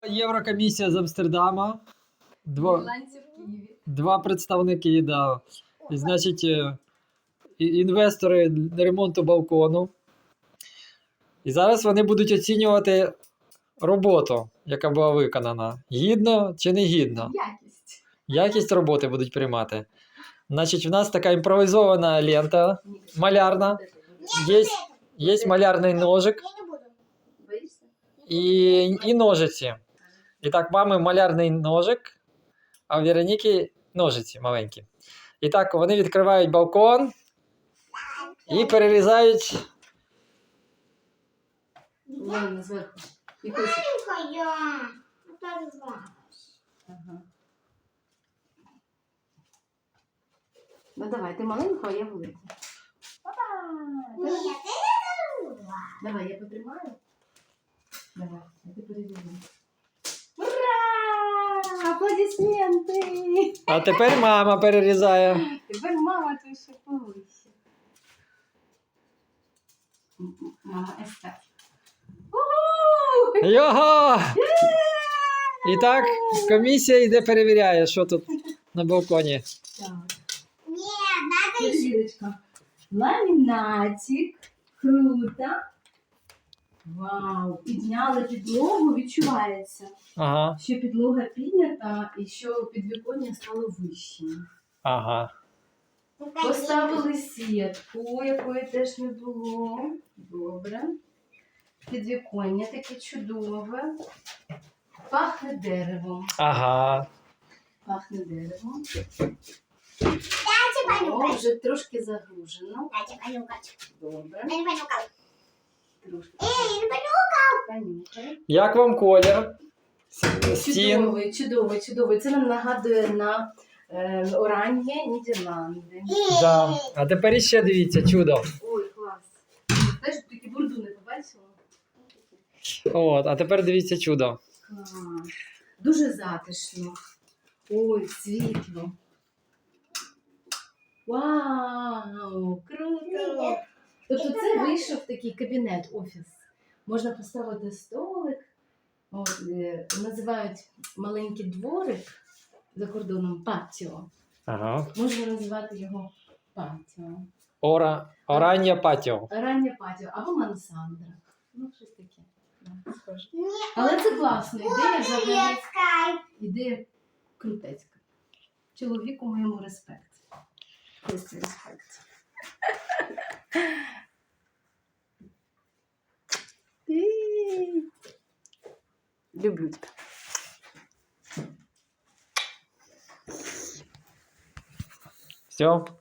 Єврокомісія з Амстердама. Ірландці в Києві. Два представники, да. І, значить, інвестори ремонту балкону. І зараз вони будуть оцінювати роботу, яка була виконана. Гідно чи не гідно. Якість. Якість роботи будуть приймати. Значить, в нас така імпровізована лента малярна. Є малярний ножик Боїшся? і ножиці. І так, мами малярний ножик, а в Вероніки ножиці маленькі. І так, вони відкривають балкон і перерізають. Ладно, зверху. І кусик. Ага. Ну давай, ти маленька, а я велика. Давай, я потримаю. Давай, а ти перевіряй. Ура! Аплодисменти! А тепер мама перерізає. Тепер мама тут ще повище. Мама естет. Його! І так, комісія йде перевіряє, що тут на балконі. Так. Кирилочка. Ламінатик. Круто. Вау. Підняли підлогу, відчувається, Ага, що підлога піднята і що підвіконня стало вищим. ага. Поставили сітку, якої теж не було. Добре. Підвіконня таке чудове. Пахне деревом. Ага. Пахне деревом. О, вже трошки загружено. Добре. Трошки. Понюхай. Як вам колір? Стін. Чудовий, чудовий, чудовий. Це нам нагадує на оранжі Нідерланди. Да. А тепер іще дивіться, чудо. Ой, клас. Знаєш, такі бурду не побачила? От, а тепер дивіться чудо. Клас. Дуже затишно. Ой, світло. Вау, круто! Тобто це вийшов такий кабінет, офіс. Можна поставити столик. От, називають маленький дворик за кордоном патіо. Ага. Можна називати його патіо. Оран'я патіо. Раннє патіо або мансандра. Ну, щось таке. Да, схоже. Але це класна ідея, взагалі. Ідея крутецька. Чоловіку моєму респект. Респект. Люблю тебе. Все.